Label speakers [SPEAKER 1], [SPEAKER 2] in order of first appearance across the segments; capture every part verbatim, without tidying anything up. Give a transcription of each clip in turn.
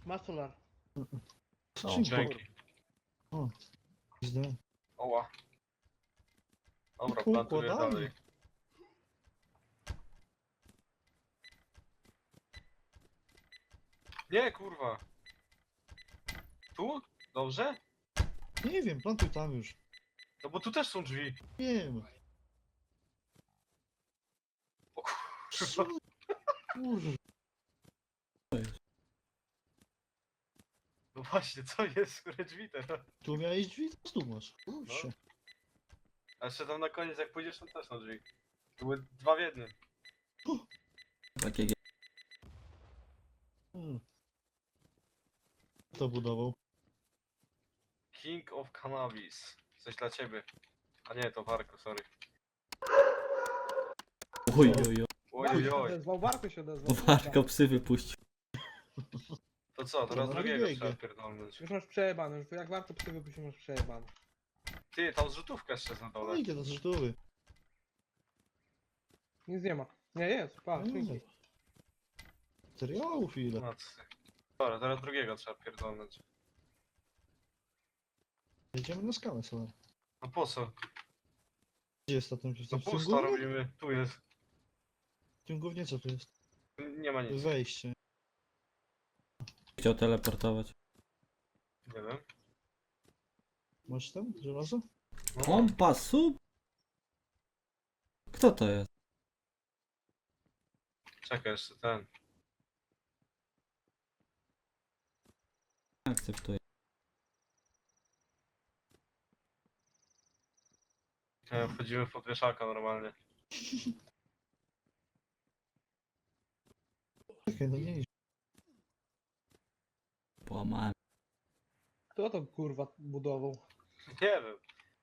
[SPEAKER 1] Masz solar.
[SPEAKER 2] O,
[SPEAKER 3] Dzięki.
[SPEAKER 2] O, źle.
[SPEAKER 3] Oła. Dobra,
[SPEAKER 2] Tylko
[SPEAKER 3] plantuję
[SPEAKER 2] układanie.
[SPEAKER 3] dalej. Nie, kurwa. Tu? Dobrze?
[SPEAKER 2] Nie wiem, plantuj tam już.
[SPEAKER 3] No bo tu też są drzwi.
[SPEAKER 2] Wiem.
[SPEAKER 3] O
[SPEAKER 2] Co?
[SPEAKER 3] kurwa.
[SPEAKER 2] Kurwa.
[SPEAKER 3] No właśnie, co jest? Które drzwi teraz?
[SPEAKER 2] Tu miałeś drzwi, to tu masz. Kurczę.
[SPEAKER 3] A jeszcze tam na koniec, jak pójdziesz, tam też są drzwi. To były dwa w jednym.
[SPEAKER 4] Takie
[SPEAKER 2] Hmm. Kto budował?
[SPEAKER 3] King of Cannabis. Coś dla ciebie. A nie, to Warko, sorry.
[SPEAKER 4] Oj, oj,
[SPEAKER 3] Oj,
[SPEAKER 1] Warto
[SPEAKER 3] oj,
[SPEAKER 1] się
[SPEAKER 3] oj.
[SPEAKER 1] odezwał, Warto się odezwał.
[SPEAKER 4] oj. Warko psy wypuścił.
[SPEAKER 3] To co, teraz
[SPEAKER 2] To
[SPEAKER 3] drugiego
[SPEAKER 2] drugiego.
[SPEAKER 3] trzeba pierdolnąć.
[SPEAKER 1] Już masz przejebane, już jak Warto psy wypuścić, masz przejebane.
[SPEAKER 3] Ty, tam zrzutówka jeszcze jest na
[SPEAKER 2] No
[SPEAKER 3] dole.
[SPEAKER 2] idzie do zrzutowy.
[SPEAKER 1] Nic nie ma. Nie, jest, patrz, dzięki.
[SPEAKER 2] Materiałów ile?
[SPEAKER 3] Matcy. Dobra, teraz drugiego trzeba pierdolnąć.
[SPEAKER 2] Jedziemy na skalę sobie.
[SPEAKER 3] No po co?
[SPEAKER 2] Gdzie jest to ten w
[SPEAKER 3] No
[SPEAKER 2] tym
[SPEAKER 3] pusto
[SPEAKER 2] głównie?
[SPEAKER 3] robimy. Tu jest.
[SPEAKER 2] W tym głównie co tu jest?
[SPEAKER 3] Nie ma nic.
[SPEAKER 2] Wejście.
[SPEAKER 4] Chciał teleportować.
[SPEAKER 3] Nie wiem.
[SPEAKER 2] Masz tam żelazo?
[SPEAKER 3] No.
[SPEAKER 4] Pompa, sub? Kto to jest?
[SPEAKER 3] Czekaj, jeszcze ten.
[SPEAKER 4] Akceptuję.
[SPEAKER 3] Nie, wchodzimy w podwieszaka normalnie.
[SPEAKER 2] Czekaj, no nie idź.
[SPEAKER 4] Połamałem.
[SPEAKER 1] Kto to kurwa budował?
[SPEAKER 3] Nie wiem.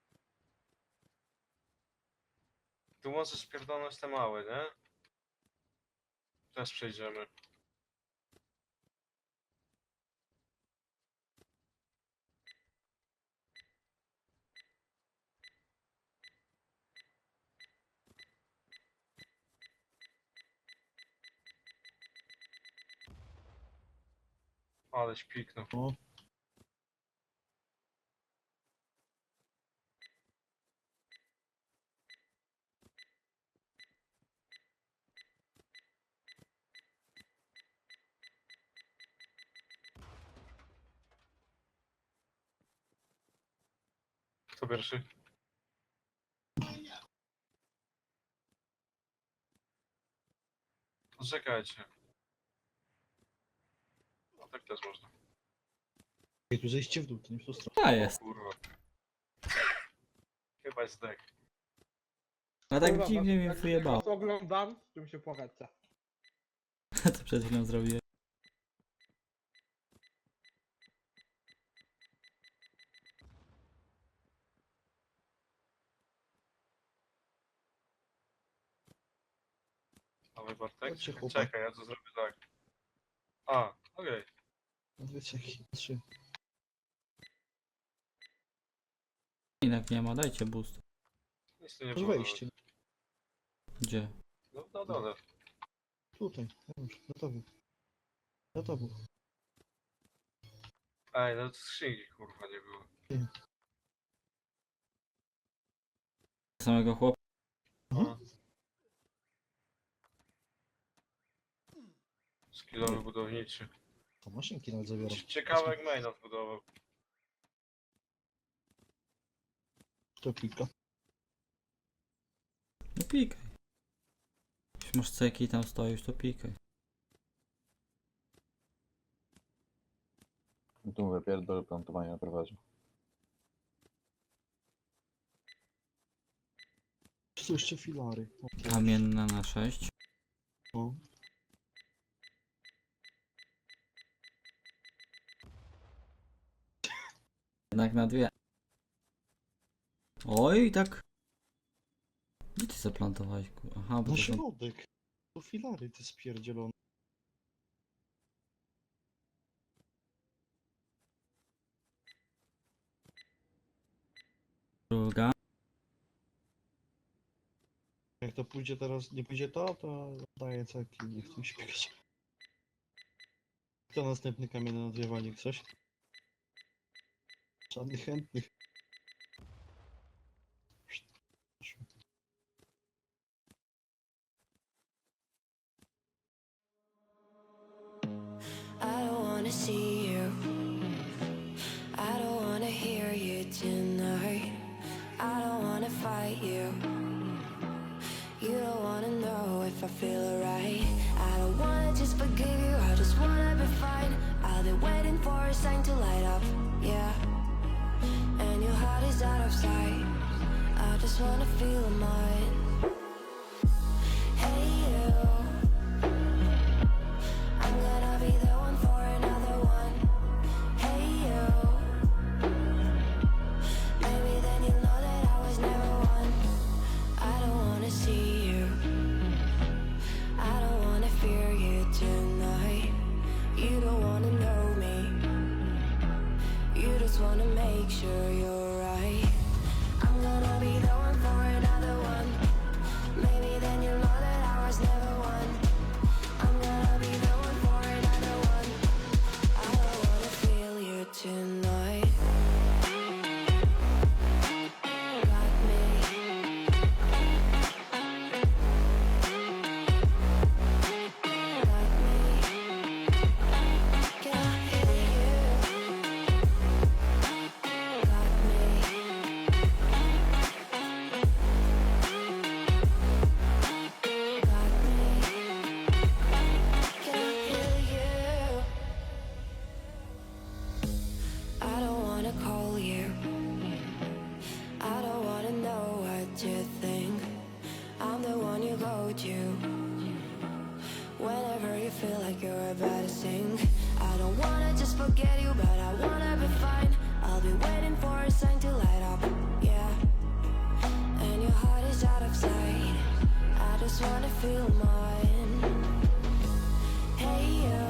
[SPEAKER 3] Tu możesz pierdolnąć te małe, nie? Też przejdziemy. Aleś piknął.
[SPEAKER 2] O.
[SPEAKER 3] Kto pierwszy? Poczekajcie. No tak też można.
[SPEAKER 2] Ej, tu zejście w dół, to nie w tą stronę.
[SPEAKER 4] A
[SPEAKER 3] O
[SPEAKER 4] jest.
[SPEAKER 3] kurwa. Chyba jest dek.
[SPEAKER 4] A tak
[SPEAKER 1] Kurwa,
[SPEAKER 4] dziwnie
[SPEAKER 1] was-
[SPEAKER 4] mnie
[SPEAKER 1] jak
[SPEAKER 4] wyjebało.
[SPEAKER 1] was oglądam, z czym się płakać chce.
[SPEAKER 4] Co przed chwilą zrobiłem?
[SPEAKER 3] Dawaj Bartek.
[SPEAKER 2] Chodźcie,
[SPEAKER 3] Czekaj,
[SPEAKER 2] chłopak.
[SPEAKER 3] czekaj, ja to zrobię tak. A, okej.
[SPEAKER 2] Dwie ceki, trzy.
[SPEAKER 4] Inak nie ma, dajcie boost.
[SPEAKER 3] Nic tu nie
[SPEAKER 2] To
[SPEAKER 3] było.
[SPEAKER 2] wejście.
[SPEAKER 4] Gdzie?
[SPEAKER 3] No, no dole.
[SPEAKER 2] Tutaj. Już, gotowy. Gotowy.
[SPEAKER 3] Ej, no skrzynki kurwa nie było.
[SPEAKER 4] Samego chłopa.
[SPEAKER 3] No. Skillowy budowniczy.
[SPEAKER 2] To maszynki nawet zabiorą.
[SPEAKER 3] Ciekawe jak maina zbudował.
[SPEAKER 2] To klika.
[SPEAKER 4] No pikaj. Jeśli masz ceki i tam stoisz, to pikaj.
[SPEAKER 5] Tu mówię, pierdol plantowanie na prowadzi.
[SPEAKER 2] Tu są jeszcze filary. O,
[SPEAKER 4] Kamienna na sześć.
[SPEAKER 2] o.
[SPEAKER 4] Jednak na dwie. Oj, tak. Gdzie ty zaplantowałeś? ku- Aha, bo
[SPEAKER 2] Na
[SPEAKER 4] to są...
[SPEAKER 2] środek. To filary te spierdzielone.
[SPEAKER 4] Druga.
[SPEAKER 2] Jak to pójdzie teraz, nie pójdzie to, to daję ceki, nie chcę mi się biegać. Kto następny kamień na nadwiewanie? Coś? Żadnych chętnych.
[SPEAKER 6] I don't wanna see you. I don't wanna hear you tonight. I don't wanna fight you. You don't wanna know if I feel alright. I don't wanna just forgive you. I just wanna be fine. I'll be waiting for a sign to light up. Yeah. And your heart is out of sight. I just wanna feel mine. Hey you. I'm gonna be the one for another one. Hey you. Maybe then you'll know that I was never one. I don't wanna see you. I don't wanna fear you tonight. You don't wanna know me. You just wanna make sure you're right. I'm gonna be the one for another one. Maybe then you'll know that I was never one. I'm gonna be the one for another one. I don't wanna feel you tonight. Got me. Got me. Can I hear you? Got me. Got me. Can I hear you? I don't wanna call you. I don't wanna know what you think. I'm the one you go to whenever you feel like you're about to sink. I don't wanna just forget you, but I wanna be fine. I'll be waiting for a sign to light up. Yeah. And your heart is out of sight. I just wanna feel mine. Hey you.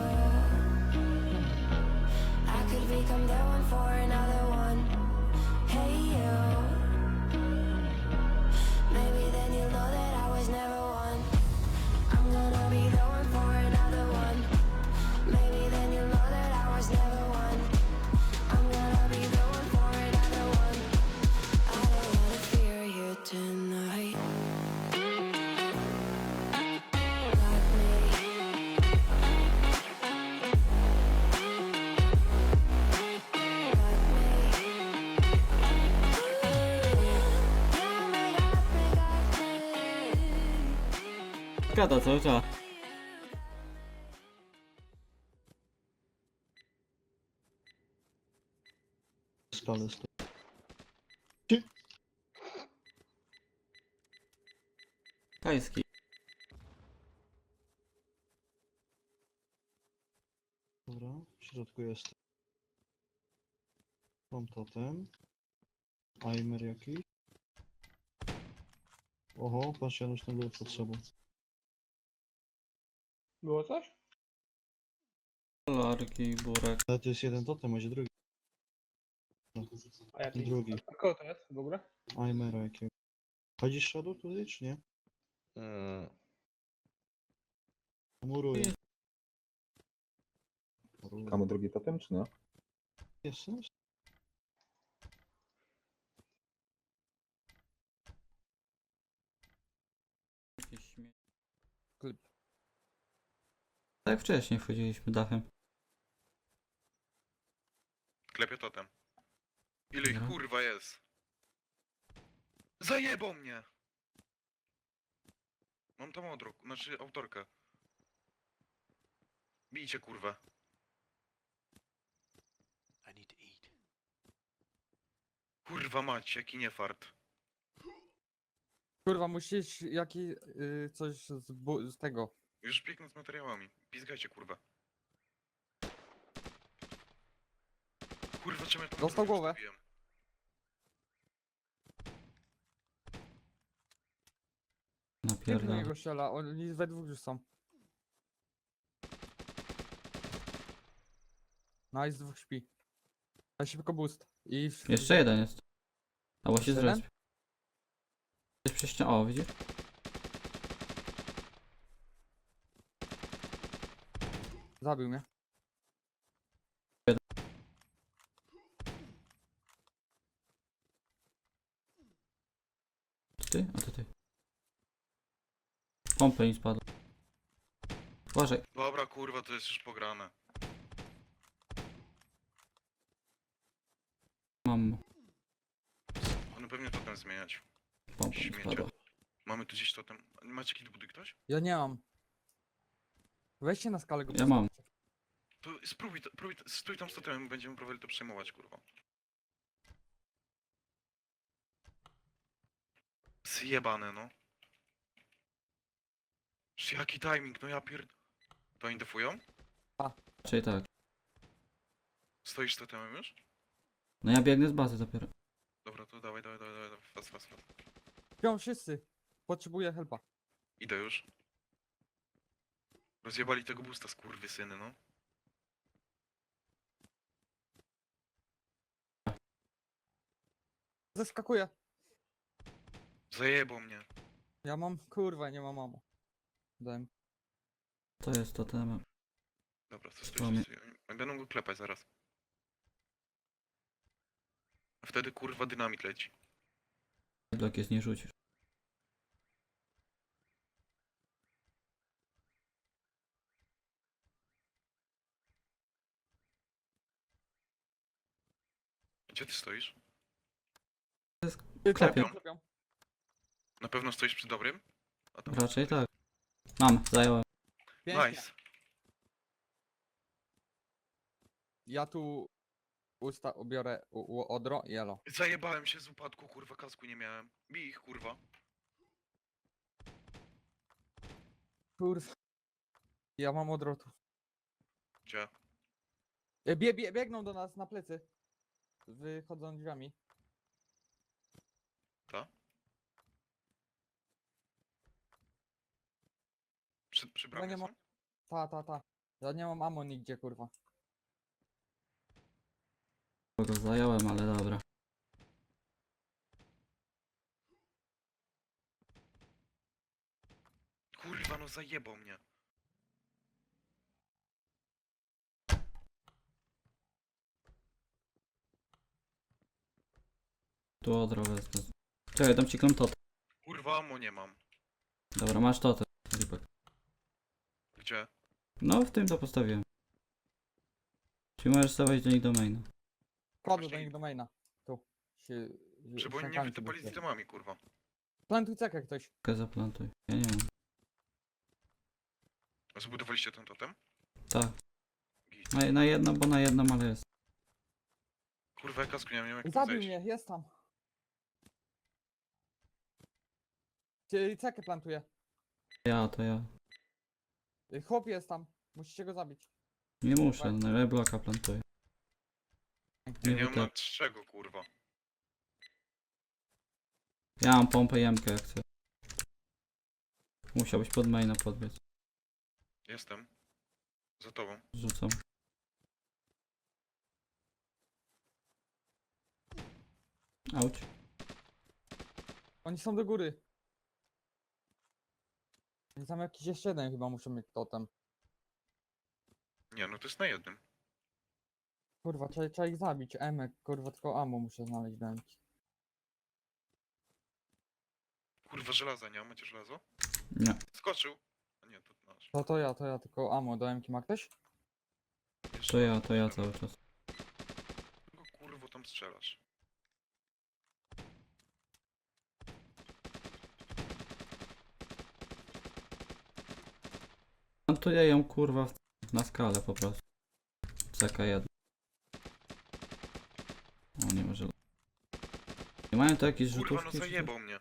[SPEAKER 6] I could become the one for another one. Hey you. Maybe then you'll know that I was never one. I'm gonna be the one for another one. Maybe then you'll know that I was never one. I'm gonna be the one for another one. I don't wanna fear you tonight. Got me. Got me. Got me, got me, got me.
[SPEAKER 4] Gada cały czas.
[SPEAKER 2] Skale sto.
[SPEAKER 4] Kajski.
[SPEAKER 2] Dobra, w środku jest. Mam totem. Aimer jakiś. Oho, patrz, Janusz tam był pod sobą.
[SPEAKER 1] Było coś?
[SPEAKER 4] Larki, burek.
[SPEAKER 2] Ale to jest jeden totem, będzie drugi.
[SPEAKER 1] A jaki?
[SPEAKER 2] Drugi.
[SPEAKER 1] A kogo to jest w ogóle?
[SPEAKER 2] Aimera jakiego. Chodzisz Shadow tutaj, czy nie?
[SPEAKER 5] Mm,
[SPEAKER 2] Muruję.
[SPEAKER 5] mamy drugi totem, czy nie?
[SPEAKER 2] Jest sens?
[SPEAKER 4] Jakiś śmie...
[SPEAKER 7] Klip.
[SPEAKER 4] Tak wcześniej wchodziliśmy dachem.
[SPEAKER 8] Klepię totem. Ile ich
[SPEAKER 4] Dobra.
[SPEAKER 8] kurwa jest? Zajebał mnie! Mam tam odruk, znaczy autorkę. Bijcie kurwę. Kurwa mać, jaki niefart.
[SPEAKER 7] Kurwa, musisz jaki y, coś z, bu- z tego.
[SPEAKER 8] Już biegnę z materiałami. Pizgajcie kurwa. Kurwa, czemu ja tam
[SPEAKER 7] Dostał
[SPEAKER 8] kurwa
[SPEAKER 7] głowę.
[SPEAKER 8] wstawiłem?
[SPEAKER 7] Pięknie
[SPEAKER 4] Napierdam.
[SPEAKER 7] niego strzela, oni we dwóch już są. Nice, dwóch śpi. A szybko boost. I w-
[SPEAKER 4] Jeszcze jeden jest. Albo się
[SPEAKER 7] Jeszcze jeden?
[SPEAKER 4] zrespił. Gdzieś przy ścianie. O, widzisz?
[SPEAKER 7] Zabił mnie.
[SPEAKER 4] ty? A to ty. Pompę mi spadła. Uważaj.
[SPEAKER 8] Dobra, kurwa, to jest już pograne.
[SPEAKER 4] Mam
[SPEAKER 8] On pewnie totem zmieniać.
[SPEAKER 4] pompę mi
[SPEAKER 8] Śmiecie.
[SPEAKER 4] spadła.
[SPEAKER 8] Mamy tu gdzieś totem. Macie kiedy buduj ktoś?
[SPEAKER 7] Ja nie mam. Weźcie na skalę go.
[SPEAKER 4] Ja mam.
[SPEAKER 8] To spróbuj, to, próbuj, to- stój tam z totemem, będziemy próbowali to przejmować, kurwa. Zjebane, no. Sz- Jaki timing, no ja pierd... To oni defują?
[SPEAKER 4] Czyli tak.
[SPEAKER 8] Stoisz z totemem już?
[SPEAKER 4] No ja biegnę z bazy dopiero.
[SPEAKER 8] Dobra, to dawaj, dawaj, dawaj, dawaj, fast, fast, fast.
[SPEAKER 7] Śpią wszyscy. Potrzebuję helpa.
[SPEAKER 8] Idę już. Rozjebali tego boosta, skurwysyny, no.
[SPEAKER 7] Zeskakuję.
[SPEAKER 8] Zajebał mnie.
[SPEAKER 7] Ja mam, kurwa, nie mam mamo. Dałem.
[SPEAKER 4] To jest to temat.
[SPEAKER 8] Dobra, to
[SPEAKER 4] Spłamie.
[SPEAKER 8] stój, stój. Oni Będą go klepać zaraz. A wtedy kurwa dynamit leci.
[SPEAKER 4] Jak jest nie rzucisz.
[SPEAKER 8] Gdzie ty stoisz?
[SPEAKER 4] Klepią.
[SPEAKER 7] Klepią, klepią.
[SPEAKER 8] Na pewno stoisz przy dobrym? A tam
[SPEAKER 4] Raczej tak. Mam, zająłem.
[SPEAKER 7] Pięknie.
[SPEAKER 8] Nice.
[SPEAKER 7] Ja tu usta ubiorę u, u odro i elo.
[SPEAKER 8] Zajebałem się z upadku, kurwa, kasku nie miałem. Bij ich, kurwa.
[SPEAKER 7] Kurwa. Ja mam odrotu.
[SPEAKER 8] Gdzie?
[SPEAKER 7] E, Bie, bie, biegną do nas na plecy. Wychodzą drzwiami.
[SPEAKER 8] Ta? Przy, przy
[SPEAKER 7] Ja
[SPEAKER 8] bramie
[SPEAKER 7] nie
[SPEAKER 8] są?
[SPEAKER 7] mam- Ta, ta, ta. Ja nie mam ammo nigdzie, kurwa.
[SPEAKER 4] Go zająłem, ale dobra.
[SPEAKER 8] Kurwa, no zajebał mnie.
[SPEAKER 4] Tu odro wezmę. Czekaj, dam ci klątotę.
[SPEAKER 8] Kurwa, ammo nie mam.
[SPEAKER 4] Dobra, masz totę. Lipek.
[SPEAKER 8] Gdzie?
[SPEAKER 4] No, w tym to postawiłem. Czyli możesz stawiać do nich do maina.
[SPEAKER 7] Kładę do
[SPEAKER 8] Właśnie-
[SPEAKER 7] nich do maina. Tu. Się,
[SPEAKER 8] Żeby oni nie
[SPEAKER 7] ściankami
[SPEAKER 8] wytypali z
[SPEAKER 7] sobie
[SPEAKER 8] itemami, kurwa.
[SPEAKER 7] Plantuj cekę ktoś.
[SPEAKER 4] Czekaj, zaplantuj. Ja nie wiem.
[SPEAKER 8] A zbudowaliście ten totem?
[SPEAKER 4] Tak.
[SPEAKER 8] Git.
[SPEAKER 4] Na, na jedno, bo na jedno, ale jest.
[SPEAKER 8] Kurwa, ja kasku nie wiem jak tam
[SPEAKER 7] Zabił
[SPEAKER 8] zejść.
[SPEAKER 7] mnie, jest tam. Ty cekę plantuje.
[SPEAKER 4] Ja, to ja.
[SPEAKER 7] Y, Chłop jest tam. Musicie go zabić.
[SPEAKER 4] Nie muszę, na bloka plantuję.
[SPEAKER 8] Ja
[SPEAKER 4] Nie,
[SPEAKER 8] nie
[SPEAKER 4] bo
[SPEAKER 8] mam na
[SPEAKER 4] tak.
[SPEAKER 8] czego, kurwa.
[SPEAKER 4] Ja mam pompę jemkę jak chcę. Musiałbyś pod maina podbiec.
[SPEAKER 8] Jestem. Za tobą.
[SPEAKER 4] Rzucam. Auć.
[SPEAKER 7] Oni są do góry. I tam jakiś jeszcze jeden chyba muszą mieć totem.
[SPEAKER 8] Nie, no to jest na jednym.
[SPEAKER 7] Kurwa, trzeba, trzeba ich zabić. Emek, kurwa, tylko ammo muszę znaleźć do Emki.
[SPEAKER 8] Kurwa, żelaza nie ma, macie żelazo?
[SPEAKER 4] Nie.
[SPEAKER 8] Skoczył. A nie, to nasz.
[SPEAKER 7] To to ja, to ja, tylko ammo do Emki ma ktoś?
[SPEAKER 8] Jeszcze
[SPEAKER 4] To ja,
[SPEAKER 8] raz
[SPEAKER 4] to ja
[SPEAKER 8] strzelam.
[SPEAKER 4] cały czas.
[SPEAKER 8] Kogo kurwo tam strzelasz?
[SPEAKER 4] Plantuję ją kurwa w, na skalę po prostu. C K jeden. O, nie może. Nie mają to jakieś
[SPEAKER 8] Kurwa,
[SPEAKER 4] rzutówki?
[SPEAKER 8] no
[SPEAKER 4] czy coś?
[SPEAKER 8] zajebał mnie.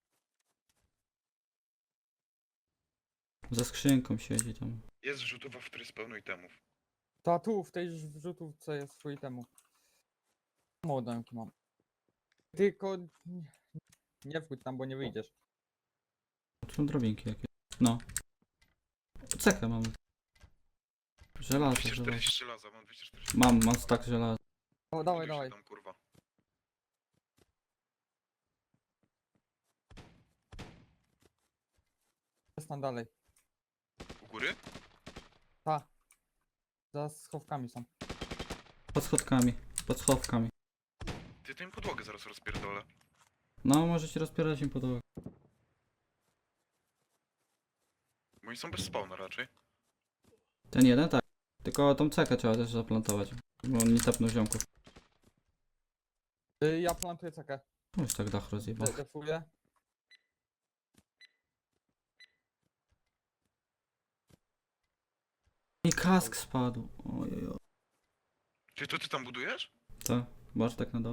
[SPEAKER 4] Za skrzynką siedzi tam.
[SPEAKER 8] Jest rzutowa, w której jest pełno itemów.
[SPEAKER 7] To tu, w tej wrzutówce jest swój temu. Ammo do Emki mam. Tylko... nie- Nie wchódź tam, bo nie wyjdziesz.
[SPEAKER 4] Tu są drobinki jakieś. No. Cekę mamy. Żelazo,
[SPEAKER 8] dwieście
[SPEAKER 4] żelazo.
[SPEAKER 8] czterdzieści żelaza, mam dwieście czterdzieści.
[SPEAKER 4] Mam, mam stak żelaza.
[SPEAKER 7] O, dawaj,
[SPEAKER 8] Buduj się
[SPEAKER 7] dawaj.
[SPEAKER 8] Tam, kurwa.
[SPEAKER 7] Jest tam dalej.
[SPEAKER 8] U góry?
[SPEAKER 7] Ta. Za schowkami są.
[SPEAKER 4] Pod schodkami. Pod schowkami.
[SPEAKER 8] Ty tym podłogę zaraz rozpierdolę.
[SPEAKER 4] No, możecie rozpierać im podłogę.
[SPEAKER 8] Bo oni są bez spawna raczej.
[SPEAKER 4] Ten jeden tak. Tylko tą cekę trzeba też zaplantować. Bo on nie tapnął ziomków.
[SPEAKER 7] Y, Ja plantuję cekę.
[SPEAKER 4] Już tak dach rozjebał.
[SPEAKER 7] De- Defuję.
[SPEAKER 4] I kask spadł. Ojej.
[SPEAKER 8] Czy to ty tam budujesz?
[SPEAKER 4] Co? Masz tak na dole?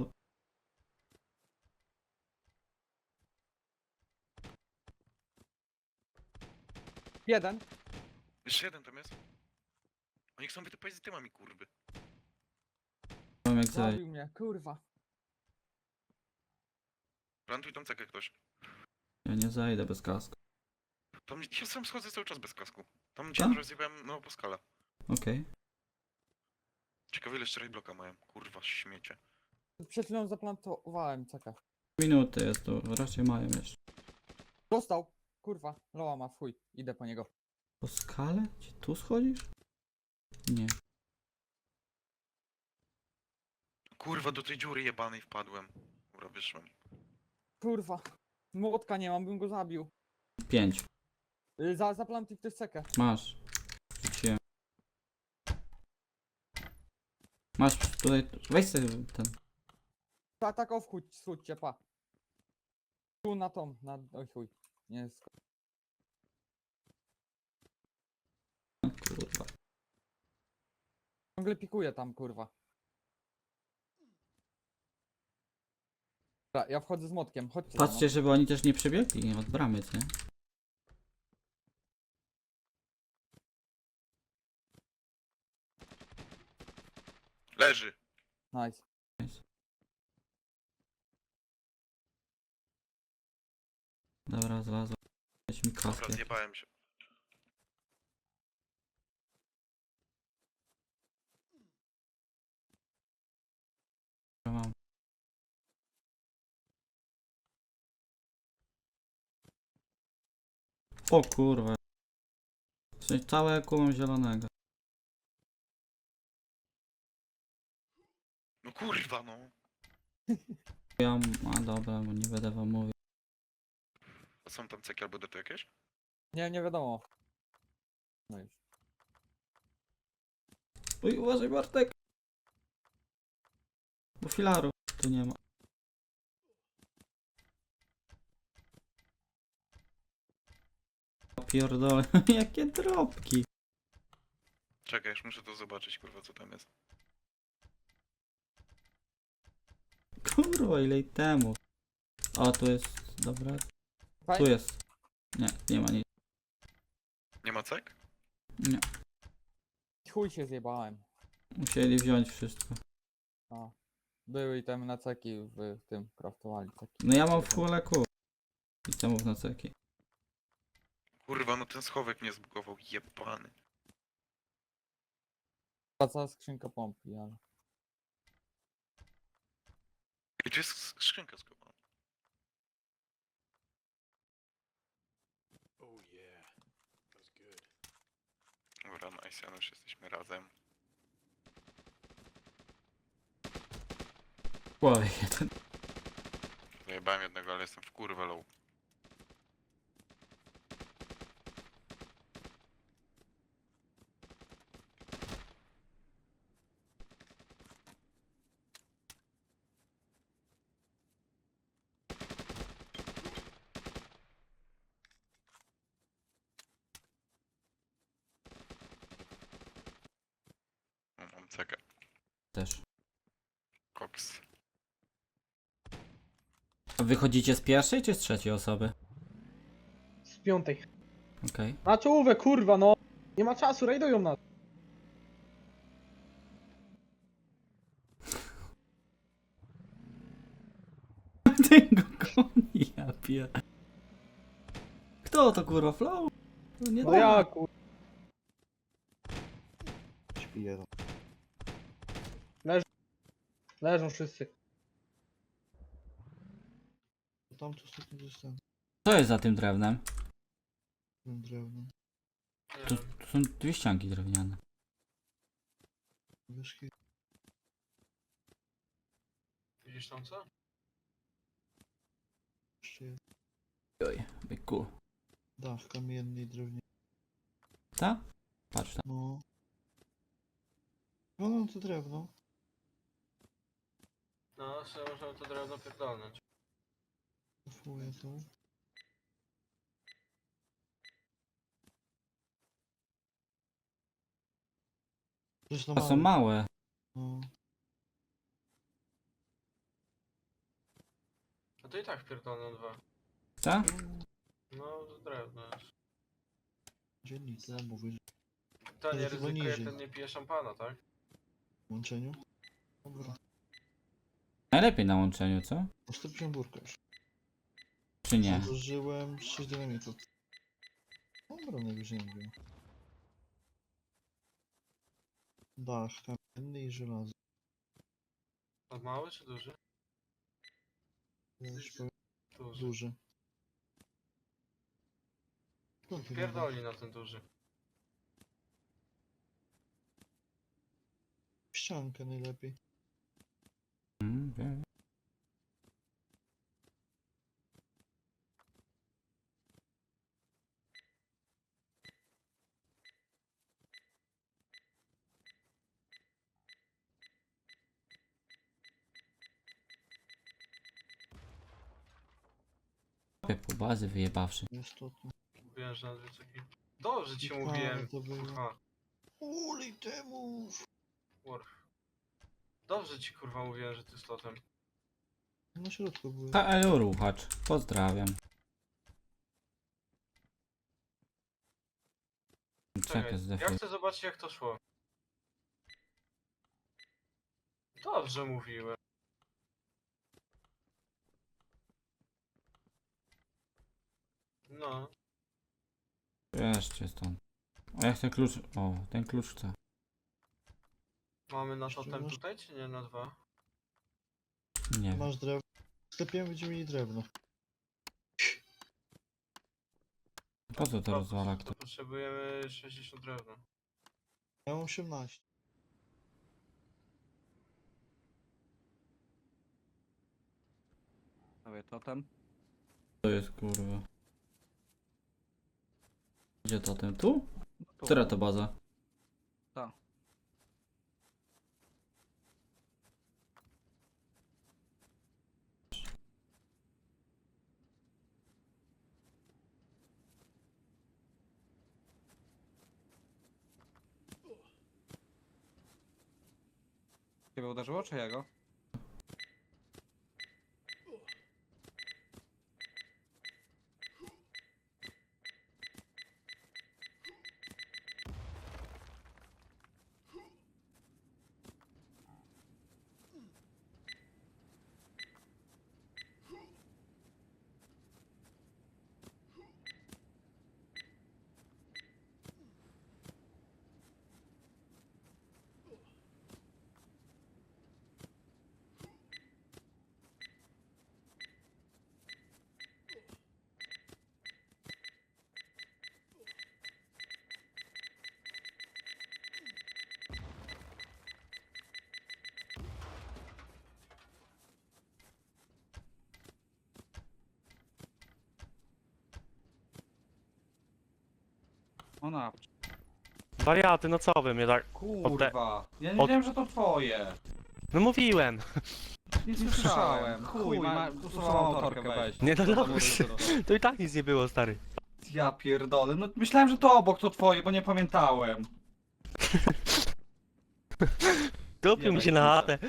[SPEAKER 7] Jeden.
[SPEAKER 8] Jeszcze jeden tam jest. Oni chcą wytypać z tymami, kurwy.
[SPEAKER 4] Mam jak zajść.
[SPEAKER 7] Zabił mnie, kurwa.
[SPEAKER 8] Plantuj tam cekę ktoś.
[SPEAKER 4] Ja nie zajdę bez kasku.
[SPEAKER 8] Tam ja sam schodzę cały czas bez kasku. Tam
[SPEAKER 4] Co?
[SPEAKER 8] gdzie rozjebałem no po skale.
[SPEAKER 4] Okej.
[SPEAKER 8] Ciekawe ile jeszcze bloka mają. Kurwa, śmiecie.
[SPEAKER 7] Przed chwilą zaplantowałem cekę.
[SPEAKER 4] Minuty jest tu. Raczej mają jeszcze.
[SPEAKER 7] Dostał. Kurwa, Loa ma w chuj. Idę po niego.
[SPEAKER 4] Po skale? Gdzie tu schodzisz? Nie.
[SPEAKER 8] Kurwa, do tej dziury jebanej wpadłem. Dobra, wyszłem.
[SPEAKER 7] Kurwa. Młotka nie mam, bym go zabił.
[SPEAKER 4] Pięć.
[SPEAKER 7] Y, Za, zaplantuj ktoś cekę.
[SPEAKER 4] Masz. Rzuciłem. Masz tutaj. Weź sobie ten.
[SPEAKER 7] Ta, tak o wchódź, schódźcie, pa. Tu na tą, na... Oj chuj. Nie jest...
[SPEAKER 4] Kurwa.
[SPEAKER 7] Ciągle pikuje tam, kurwa. Dobra, ja wchodzę z młotkiem, chodźcie za mną.
[SPEAKER 4] Patrzcie, żeby oni też nie przebiegli od bramy, nie?
[SPEAKER 8] Leży.
[SPEAKER 7] Nice.
[SPEAKER 4] Dobra, znalazłem. Weź mi
[SPEAKER 8] Dobra,
[SPEAKER 4] kaskę.
[SPEAKER 8] zjebałem się.
[SPEAKER 4] Mam. O kurwa. W sensie całe kumam zielonego.
[SPEAKER 8] No kurwa, no.
[SPEAKER 4] Ja, a dobra, bo nie będę wam mówił.
[SPEAKER 8] A są tam ceki albo dety jakieś?
[SPEAKER 7] Nie, nie wiadomo. No już.
[SPEAKER 4] Uj, uważaj Bartek! Bo filaru tu nie ma. O pierdolę, jakie drobki!
[SPEAKER 8] Czekaj, już muszę to zobaczyć, kurwa, co tam jest.
[SPEAKER 4] Kurwa, ile temu. O, tu jest, dobra. Tu jest. Nie, nie ma nic.
[SPEAKER 8] Nie ma cek?
[SPEAKER 4] Nie.
[SPEAKER 7] Chuj się zjebałem.
[SPEAKER 4] Musieli wziąć wszystko.
[SPEAKER 7] A. Były itemy na ceki w tym craftowali. Ceki.
[SPEAKER 4] No ja mam w full Q. I temów na ceki.
[SPEAKER 8] Kurwa, no ten schowek mnie zbugował, jebany.
[SPEAKER 7] Ta cała skrzynka pompy, ale...
[SPEAKER 8] I tu jest sk- skrzynka skowana. Dobra, nice, już jesteśmy razem.
[SPEAKER 4] W głowie jeden.
[SPEAKER 8] Zajebałem jednego, ale jestem w kurwę low. No, mam cekę.
[SPEAKER 4] Też.
[SPEAKER 8] Koks.
[SPEAKER 4] A wychodzicie z pierwszej czy z trzeciej osoby?
[SPEAKER 1] Z piątej.
[SPEAKER 4] Okej.
[SPEAKER 1] Na czołówę, kurwa, no! Nie ma czasu, rajdują nas.
[SPEAKER 4] Tego koni, ja pier... Kto to kurwa, Flow? To nie
[SPEAKER 1] No
[SPEAKER 4] da.
[SPEAKER 1] ja, kurwa.
[SPEAKER 2] Śpi jeden.
[SPEAKER 1] Leżą wszyscy.
[SPEAKER 2] Tam to ostatnio zostałem
[SPEAKER 4] Co jest za tym drewnem?
[SPEAKER 2] tym drewnem.
[SPEAKER 4] Tu, tu są dwie ścianki drewniane.
[SPEAKER 2] Wiesz, kiedy
[SPEAKER 3] Widzisz tam co?
[SPEAKER 2] jeszcze jest.
[SPEAKER 4] Oj, byku.
[SPEAKER 2] Dach kamienny i drewniany.
[SPEAKER 4] Ta? Patrz tam.
[SPEAKER 2] No. No, no to drewno.
[SPEAKER 3] No, sobie możemy to drewno pierdolnąć.
[SPEAKER 2] Kupuję to. Przecież no
[SPEAKER 4] To są
[SPEAKER 2] mało.
[SPEAKER 4] małe.
[SPEAKER 2] No.
[SPEAKER 3] A to i tak pierdolną dwa.
[SPEAKER 4] Co?
[SPEAKER 3] No, to drewno jest.
[SPEAKER 2] Dzielnica, mówię, że
[SPEAKER 3] To nie
[SPEAKER 2] Ale chyba
[SPEAKER 3] ryzykuje,
[SPEAKER 2] niżej.
[SPEAKER 3] ten nie pije szampana, tak?
[SPEAKER 2] w łączeniu. Dobra.
[SPEAKER 4] Najlepiej na łączeniu, co?
[SPEAKER 2] Po sto pięćdziesiąt burka już.
[SPEAKER 4] Czy nie?
[SPEAKER 2] Zużyłem sześć dynamitów. Dobra, najwyżej nie wiem. Dach kamienny i żelazo.
[SPEAKER 3] A mały czy duży?
[SPEAKER 2] Ja już powiem,
[SPEAKER 3] Duży.
[SPEAKER 2] duży. Skąd ty
[SPEAKER 3] Pierdoli na ten duży.
[SPEAKER 2] ściankę najlepiej.
[SPEAKER 4] Mm, wiem. Po bazy wyjebawszy.
[SPEAKER 2] Niestety.
[SPEAKER 3] Mówiłem, że na dwie ceki. Dobrze ci
[SPEAKER 2] Ciekawe
[SPEAKER 3] mówiłem.
[SPEAKER 2] to było.
[SPEAKER 3] Kurwa.
[SPEAKER 2] Ulej temu!
[SPEAKER 3] Kurw. Dobrze ci kurwa mówiłem, że ty slotem.
[SPEAKER 2] Na środku były.
[SPEAKER 4] Ta Elu Ruchacz. Pozdrawiam. Czekaj,
[SPEAKER 3] Czekaj, ja
[SPEAKER 4] zdefaj.
[SPEAKER 3] chcę zobaczyć jak to szło. Dobrze mówiłem. No.
[SPEAKER 4] Jeszcze stąd. A ja chcę klucz. O, ten klucz chcę.
[SPEAKER 3] Mamy na
[SPEAKER 2] Jeszcze
[SPEAKER 3] totem
[SPEAKER 2] masz-
[SPEAKER 3] tutaj, czy nie na dwa?
[SPEAKER 4] Nie wiem.
[SPEAKER 2] Masz drewno. W sklepie będziemy mieli drewno.
[SPEAKER 4] Po co to
[SPEAKER 3] No,
[SPEAKER 4] rozwala
[SPEAKER 3] to
[SPEAKER 4] kto?
[SPEAKER 3] potrzebujemy sześćdziesiąt drewna.
[SPEAKER 2] Ja mam osiemnaście.
[SPEAKER 9] Sobie totem.
[SPEAKER 4] To jest kurwa. Gdzie to ten? Tu?
[SPEAKER 9] Tu.
[SPEAKER 4] Która to baza?
[SPEAKER 9] Ta. Ciebie uderzyło, czy jego? Ona.
[SPEAKER 10] Wariaty, no co wy mnie tak...
[SPEAKER 9] Kurwa. Ja nie
[SPEAKER 10] Od-
[SPEAKER 9] wiedziałem, że to twoje.
[SPEAKER 10] No mówiłem!
[SPEAKER 9] Nie słyszałem. Chuj, ma, usuwam autorkę, weź.
[SPEAKER 10] Nie, no
[SPEAKER 9] To
[SPEAKER 10] dobra,
[SPEAKER 9] mówię, to-
[SPEAKER 10] to i tak nic nie było, stary.
[SPEAKER 9] Ja pierdolę, no myślałem, że to obok to twoje, bo nie pamiętałem.
[SPEAKER 10] Kupił mi się na chatę.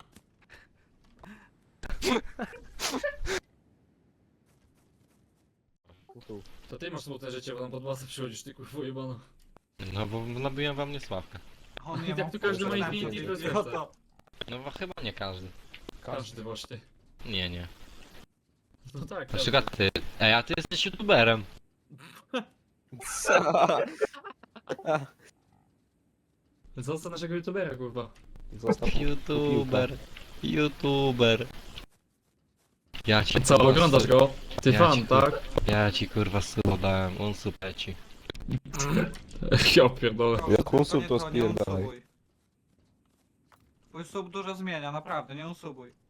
[SPEAKER 11] To ty masz smutne życie, bo tam pod bazę przychodzisz, ty kurwa jebano.
[SPEAKER 12] No bo nabiłem wam niesławkę.
[SPEAKER 9] On
[SPEAKER 11] I tak tu każdy ma Infinity i rozwiązać.
[SPEAKER 12] No bo chyba nie każdy.
[SPEAKER 11] Każdy właśnie.
[SPEAKER 12] Nie, nie.
[SPEAKER 11] No tak,
[SPEAKER 12] Na
[SPEAKER 11] każdy.
[SPEAKER 12] przykład ty. Ej, a ty jesteś youtuberem.
[SPEAKER 11] Zostaw naszego youtubera, kurwa.
[SPEAKER 5] Zostaw
[SPEAKER 12] YouTuber. YouTuber. Ja ci
[SPEAKER 11] Co,
[SPEAKER 12] kurwa,
[SPEAKER 11] oglądasz
[SPEAKER 12] su-
[SPEAKER 11] go? Ty
[SPEAKER 12] Ja
[SPEAKER 11] fan,
[SPEAKER 12] ci,
[SPEAKER 11] tak?
[SPEAKER 12] Ja ci kurwa suba dałem, on supeci.
[SPEAKER 11] Ja pierdolę.
[SPEAKER 5] Jak
[SPEAKER 9] nie
[SPEAKER 5] unsub, to
[SPEAKER 9] nie
[SPEAKER 5] spierdalaj.
[SPEAKER 9] unsubuj. Twój sub dużo zmienia, naprawdę, nie unsubuj.